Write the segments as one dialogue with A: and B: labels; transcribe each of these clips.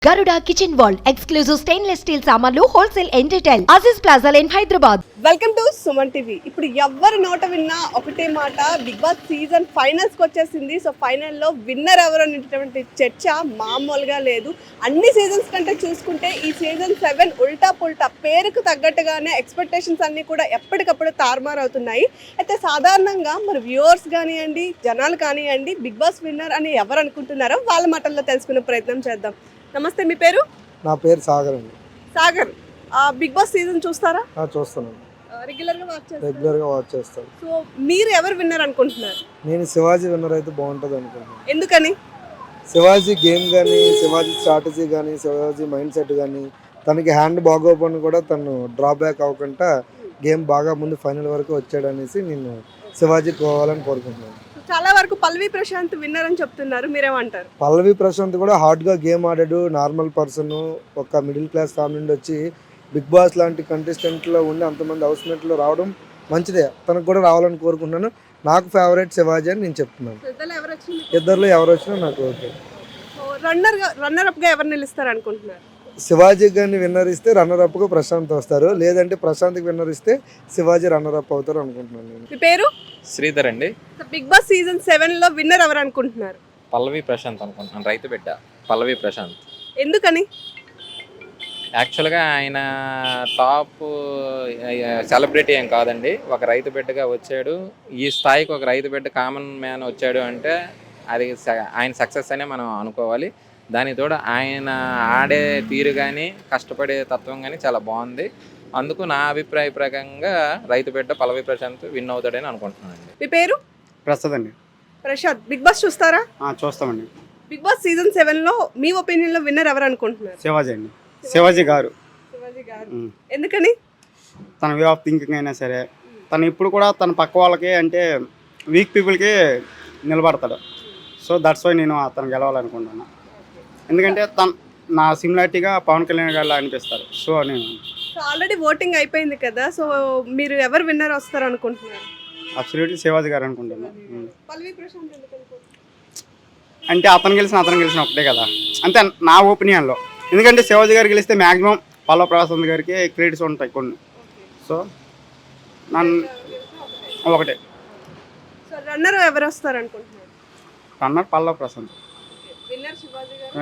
A: Garuda Kitchen World exclusive stainless steel సామాన్లు wholesale and retail Aziz plaza in Hyderabad.
B: Welcome to Suman TV. ఇప్పుడు ఎవరి నోట విన్నా ఒకటే మాట, బిగ్ బాస్ సీజన్ ఫైనల్స్ కి వచ్చేసింది. సో ఫైనల్లో విన్నర్ ఎవరు అనేటువంటి చర్చ మామూలుగా లేదు. అన్ని సీజన్స్ కంటే చూసుకుంటే ఈ సీజన్ 7 ఉల్టా పుల్టా, పేరుకు తగ్గట్టుగానే ఎక్స్పెక్టేషన్స్ అన్ని కూడా ఎప్పటికప్పుడు తారుమారు అవుతున్నాయి. అయితే సాధారణంగా మరి వ్యూవర్స్ కానివ్వండి, జనాలు కానివ్వండి, బిగ్ బాస్ విన్నర్ అని ఎవరు అనుకుంటున్నారో వాళ్ళ మాటల్లో తెలుసుకునే ప్రయత్నం చేద్దాం. నమస్తే, మీ పేరు?
C: నా పేరు సాగర్ అండి.
B: సాగర్, బిగ్ బాస్ సీజన్ చూస్తారా?
C: చూస్తాను,
B: రెగ్యులర్గా
C: వాచ్ చేస్తాను.
B: సో మీరు ఎవరు విన్నర్ అనుకుంటున్నారు?
C: నేను శివాజీ విన్నర్ అయితే బాగుంటుంది అనుకుంటున్నాను.
B: ఎందుకని?
C: శివాజీ గేమ్ కానీ, శివాజీ స్ట్రాటజీ కానీ, శివాజీ మైండ్ సెట్ కానీ, తనకి హ్యాండ్ బాగోపోయిన కూడా తను డ్రాబ్యాక్ అవ్వకుండా గేమ్ బాగా ముందు ఫైనల్ వరకు వచ్చాడనేసి నేను శివాజీ పోవాలని కోరుకుంటున్నాను.
B: చాలా వరకు పల్లవి ప్రశాంత్ విన్నర్ అని చెప్తున్నారు, మీరేమంటారు?
C: పల్లవి ప్రశాంత్ కూడా హార్డ్గా గేమ్ ఆడాడు. నార్మల్ పర్సన్, ఒక మిడిల్ క్లాస్ ఫ్యామిలీ నుండి వచ్చి బిగ్ బాస్ లాంటి కంటెస్టెంట్లో ఉండి అంతమంది హౌస్మేట్లో రావడం మంచిదే. తనకు కూడా రావాలని కోరుకుంటున్నాను. నాకు ఫేవరెట్ శివాజీ అని నేను చెప్తున్నాను. ఇద్దరిలో ఎవరు వచ్చినా నాకు ఓకే.
B: రన్నర్ అప్గా ఎవరు నిలుస్తారు అనుకుంటున్నారు?
C: శివాజీ గారిని విన్నర్ ఇస్తే రన్నర్ అప్గా ప్రశాంత్ వస్తారు, లేదంటే ప్రశాంత్కి విన్నర్ ఇస్తే శివాజీ రన్నర్ అప్ అవుతారు అనుకుంటున్నాను నేను.
B: మీ పేరు?
D: శ్రీధర్ అండి.
B: బిగ్ బాస్ సీజన్ 7 లో విన్నర్ ఎవరు అనుకుంటున్నారు?
D: పల్లవి ప్రశాంత్ అనుకుంటున్నాను. రైతు బిడ్డ పల్లవి ప్రశాంత్.
B: ఎందుకని?
D: యాక్చువల్గా ఆయన టాప్ సెలబ్రిటీ ఏం కాదండి, ఒక రైతు బిడ్డగా వచ్చాడు. ఈ స్థాయికి ఒక రైతు బిడ్డ కామన్ మ్యాన్ వచ్చాడు అంటే అది ఆయన సక్సెస్ అనే మనం అనుకోవాలి. దాని తోడు ఆయన ఆడే తీరు కానీ, కష్టపడే తత్వం కానీ చాలా బాగుంది. అందుకు నా అభిప్రాయ ప్రకారంగా రైతు బిడ్డ పల్లవి ప్రశాంత్ విన్ అవుతాడని అనుకుంటున్నానండి.
B: మీ పేరు?
E: ప్రసాద్ అండి.
B: ప్రశాంత్, బిగ్ బాస్ చూస్తారా?
E: చూస్తామండి.
B: బిగ్ బాస్ సీజన్ 7 లో మీ ఒపీనియన్ లో విన్నర్ ఎవరు అనుకుంటున్నారు?
E: శివాజీ అండి. శివాజీ గారు.
B: ఎందుకని?
E: తన వే ఆఫ్ థింకింగ్ అయినా సరే, తను ఇప్పుడు కూడా తన పక్క వాళ్ళకి అంటే వీక్ పీపుల్కి నిలబడతాడు. సో దట్స్ వై నేను అతను గెలవాలనుకుంటున్నాను. ఎందుకంటే నా సిమిలారిటీగా పవన్ కళ్యాణ్ గారు అనిపిస్తారు. సో నేను
B: ఆల్రెడీ ఓటింగ్ అయిపోయింది కదా, సో మీరు ఎవరు విన్నర్ వస్తారు అనుకుంటున్నారు?
E: అబ్సల్యూట్లీ శివాజీ గారు అనుకుంటున్నాను.
B: పల్లవి ప్రశాంత్
E: అంటే అతను గెలిచిన ఒకటే కదా, అంతే నా ఒపీనియన్లో. ఎందుకంటే శివాజీ గారు గెలిస్తే మ్యాక్సిమం పల్లవ ప్రశాంత్ గారికి క్రెడిట్స్ ఉంటాయి కొన్ని. సో నన్ను ఒకటే.
B: సో రన్నర్ ఎవరు వస్తారు అనుకుంటున్నారు?
E: రన్నర్ పల్లవ ప్రశాంత్.
B: విన్నర్ శివాజీ గారు.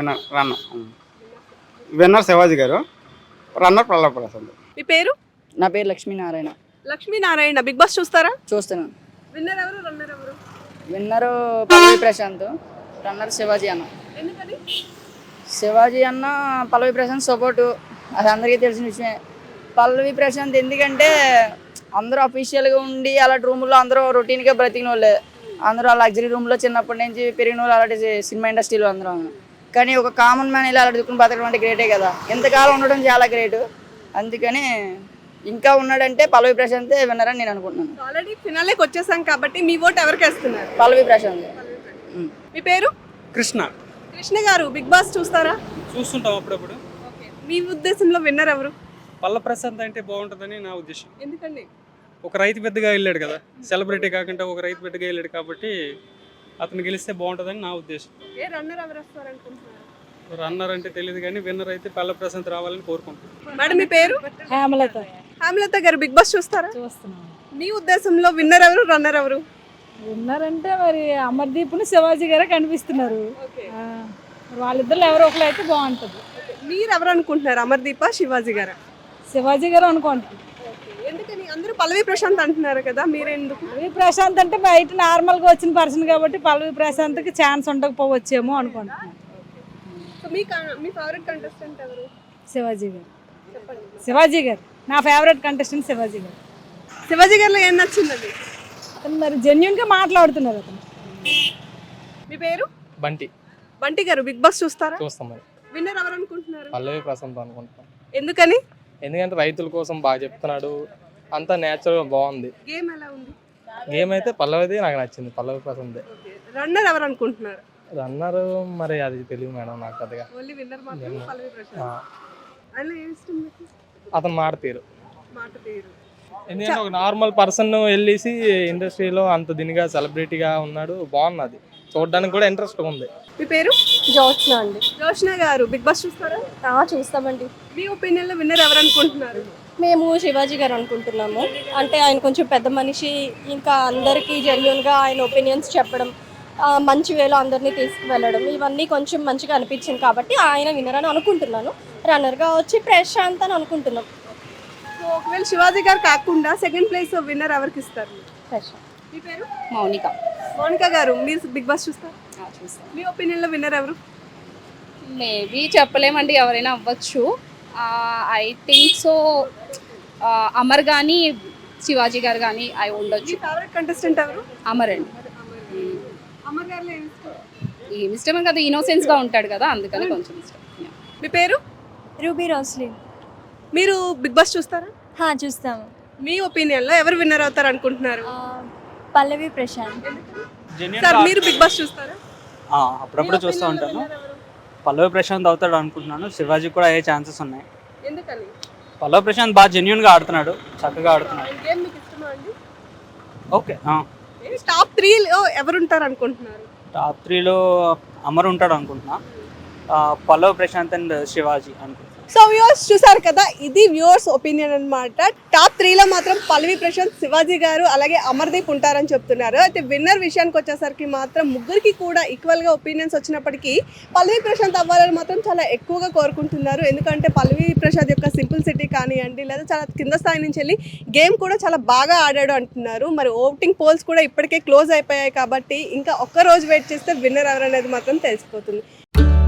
E: విన్నర్ శివాజీ గారు, రన్నర్ పల్లవ ప్రశాంత్.
B: మీ పేరు?
F: నా పేరు లక్ష్మీనారాయణ.
B: లక్ష్మీనారాయణ, బిగ్ బాస్ చూస్తారా?
F: చూస్తున్నాను.
B: విన్నర్ ఎవరు, రన్నర్ ఎవరు?
F: విన్నరు పల్లవి ప్రశాంత్, రన్నర్ శివాజీ అన్న.
B: ఎందుకని?
F: శివాజీ అన్న పల్లవి ప్రశాంత్ సపోర్టు, అది అందరికీ తెలిసిన విషయమే. పల్లవి ప్రశాంత్ ఎందుకంటే అందరూ అఫీషియల్గా ఉండి అలాంటి రూముల్లో అందరూ రొటీన్గా బ్రతికిన వాళ్ళే. అందరూ ఆ లగ్జరీ రూమ్లో చిన్నప్పటి నుంచి పెరిగిన వాళ్ళు, అలాంటి సినిమా ఇండస్ట్రీలో అందరూ. కానీ ఒక కామన్ మ్యాన్ ఇలా అలాంటి దుక్కుని బతకడం అంటే గ్రేటే కదా. ఇంతకాలం ఉండడం చాలా గ్రేటు. అందుకని ఇంకా ఉన్నాడంటే పల్లవి ప్రశాంతే విన్నర్ అని నేను అనుకుంటున్నాను.
B: ఆల్రెడీ ఫినాలేకి వచ్చేసాం కాబట్టి మీ ఓటు ఎవరికి వేస్తున్నారు?
F: పల్లవి ప్రశాంత్.
B: మీ పేరు?
G: కృష్ణ.
B: కృష్ణ గారు, బిగ్ బాస్ చూస్తారా?
G: చూస్తుంటాం అప్పుడప్పుడు.
B: మీ ఉద్దేశంలో విన్నర్ ఎవరు?
G: పల్లవి ప్రశాంత్ అంటే బాగుంటుందని నా ఉద్దేశం.
B: ఎందుకండి?
G: ఒక రైతు బిడ్డగా వెళ్ళాడు కదా, సెలబ్రిటీ కాకుండా ఒక రైతు బిడ్డగా వెళ్ళాడు కాబట్టి అతను గెలిస్తే బాగుంటుందని నా ఉద్దేశం.
B: రన్నర్ ఎవరు వస్తారు అనుకుంటున్నారు?
G: రన్నర్ అంటే తెలియదు కానీ విన్నర్ అయితే పల్లవి ప్రశాంత్ రావాలని కోరుకుంటున్నాను.
B: మేడం, మీ పేరు?
H: హేమలత.
B: హేమలత గారు, బిగ్ బాస్ చూస్తారా?
H: చూస్తున్నాం.
B: మీ ఉద్దేశంలో విన్నర్ ఎవరు, రన్నర్ ఎవరు?
H: ఉన్నారంటే మరి అమర్దీప్ను శివాజీ గారే కనిపిస్తున్నారు. వాళ్ళిద్దరు ఎవరో ఒకరు అయితే బాగుంటుంది.
B: మీరు ఎవరు అనుకుంటున్నారు, అమర్దీప, శివాజీ గారా?
H: శివాజీ గారు అనుకుంటున్నారు.
B: ఎందుకని? అందరూ పల్లవి ప్రశాంత్ అంటున్నారు కదా, మీరెందుకు?
H: పల్లవి ప్రశాంత్ అంటే బయట నార్మల్గా వచ్చిన పర్సన్ కాబట్టి పల్లవి ప్రశాంత్కి ఛాన్స్ ఉండకపోవచ్చేమో అనుకుంటున్నాను.
B: మీ ఫేవరెట్ కంటెస్టెంట్ ఎవరు?
H: శివాజీ గారు. శివాజీ గారు నా ఫేవరెట్ కంటెస్టెంట్. శివాజీ గారు.
B: శివాజీ గారిలో ఏం నచ్చిందండి?
H: అతను మరి జెన్యున్గా మాట్లాడుతున్నారు అతను.
B: మీ పేరు?
I: బంటి.
B: బంటి గారు, బిగ్ బాస్ చూస్తారా?
I: చూస్తాం. మరి
B: విన్నర్ ఎవరు అనుకుంటున్నారు?
I: పల్లవి ప్రశాంత్ అనుకుంటున్నాం.
B: ఎందుకని?
I: ఎందుకంటే రైతుల కోసం బాగా చెప్తున్నాడు, అంతా నేచురల్ బాగుంది.
B: గేమ్ ఎలా ఉంది?
I: గేమ్ అయితే పల్లవిది నాకు నచ్చింది, పల్లవి ప్రశాంత్.
B: రన్నర్ ఎవరు అనుకుంటున్నారు?
I: రన్నర్ మరి అది తెలియదు మేడం నాకు పెద్దగా.
B: ఓన్లీ విన్నర్ మాత్రం పల్లవి ప్రశాంత్. ఆయన ఏం ఇష్టం మీకు?
I: అతను మాట తీరు.
B: మాట తీరు.
I: ఎందుకంటే ఒక నార్మల్ పర్సన్ వెళ్ళేసి ఇండస్ట్రీలో అంత దీనిగా సెలబ్రిటీగా ఉన్నాడు, బాగున్నది. చూడడానికి కూడా ఇంట్రెస్ట్ ఉంది.
B: మీ పేరు?
J: జోత్స్న అండి.
B: జోష్న గారు బిగ్ బాస్ చూస్తారా?
J: చూస్తామండి.
B: మీ ఒపీనియన్లో విన్నర్ ఎవరు అనుకుంటున్నారు?
J: మేము శివాజీ గారు అనుకుంటున్నాము. అంటే ఆయన కొంచెం పెద్ద మనిషి, ఇంకా అందరికీ జెన్యున్గా ఆయన ఒపీనియన్స్ చెప్పడం, మంచి వేలో అందరినీ తీసుకువెళ్ళడం, ఇవన్నీ కొంచెం మంచిగా అనిపించింది కాబట్టి ఆయన విన్నర్ అని అనుకుంటున్నాను. రన్నర్గా వచ్చి ప్రశాంత్ అని అనుకుంటున్నాం.
B: సో ఒకవేళ శివాజీ గారు కాకుండా సెకండ్ ప్లేస్ విన్నర్ ఎవరికి ఇస్తారు?
J: ప్రశాంత్.
B: మీ పేరు?
F: మౌనిక.
B: మౌనిక గారు మీరు బిగ్ బాస్ చూస్తారు?
F: చూస్తాం.
B: మీ ఒపీనియన్లో విన్నర్ ఎవరు?
F: మేబీ చెప్పలేమండి, ఎవరైనా అవ్వచ్చు. ఐ థింక్ సో అమర్ కానీ శివాజీ గారు కానీ అవి
B: మీ
F: ఉండొచ్చు.
B: ఫేవరెట్ కంటెస్టెంట్ ఎవరు?
F: అమర్ అండి.
B: అమర్ గారిలో ఏమి ఇష్టం?
F: ఏమి ఇష్టమే కదా, ఇన్నోసెన్స్గా ఉంటాడు కదా, అందుకని కొంచెం ఇష్టం.
B: మీ పేరు?
J: Ruby Roslin.
B: మీరు బిగ్ బాస్ చూస్తారా?
J: చూస్తాము.
B: మీ ఒపీనియన్లో ఎవరు విన్నర్ అవుతారు అనుకుంటున్నారు?
J: పల్లవి ప్రశాంత్.
B: సార్ మీరు బిగ్ బాస్ చూస్తారా?
E: అప్పుడప్పుడు చూస్తూ ఉంటాను. పల్లవి ప్రశాంత్ అవుతాడు అనుకుంటున్నాను. శివాజీ కూడా అయ్యే ఛాన్సెస్ ఉన్నాయి.
B: ఎందుకని?
E: పల్లవి ప్రశాంత్ బాగా జెన్యున్గా ఆడుతున్నాడు, చక్కగా ఆడుతున్నాడు.
B: గేమ్ మీకు ఇష్టమా అండి?
E: ఓకే.
B: టాప్ 3లో ఎవరు ఉంటారు అనుకుంటున్నారు?
E: టాప్ 3లో అమర్ ఉంటాడు అనుకుంటున్నా. పల్లవి ప్రశాంత్ అండ్ శివాజీ అనుకుంటున్నాను.
B: సో వ్యూవర్స్ చూసారు కదా, ఇది వ్యూవర్స్ ఒపీనియన్ అన్నమాట. టాప్ 3లో మాత్రం పల్లవి ప్రశాంత్, శివాజీ గారు అలాగే అమర్దీప్ ఉంటారని చెప్తున్నారు. అయితే విన్నర్ విషయానికి వచ్చేసరికి మాత్రం ముగ్గురికి కూడా ఈక్వల్గా ఒపీనియన్స్ వచ్చినప్పటికీ పల్లవి ప్రశాంత్ అవ్వాలని మాత్రం చాలా ఎక్కువగా కోరుకుంటున్నారు. ఎందుకంటే పల్లవి ప్రశాంత్ యొక్క సింపుల్ సిటీ కానివ్వండి, లేదా చాలా కింద స్థాయి నుంచి వెళ్ళి గేమ్ కూడా చాలా బాగా ఆడాడు అంటున్నారు. మరి ఓటింగ్ పోల్స్ కూడా ఇప్పటికే క్లోజ్ అయిపోయాయి కాబట్టి ఇంకా ఒక్క రోజు వెయిట్ చేస్తే విన్నర్ ఎవరనేది మాత్రం తెలిసిపోతుంది.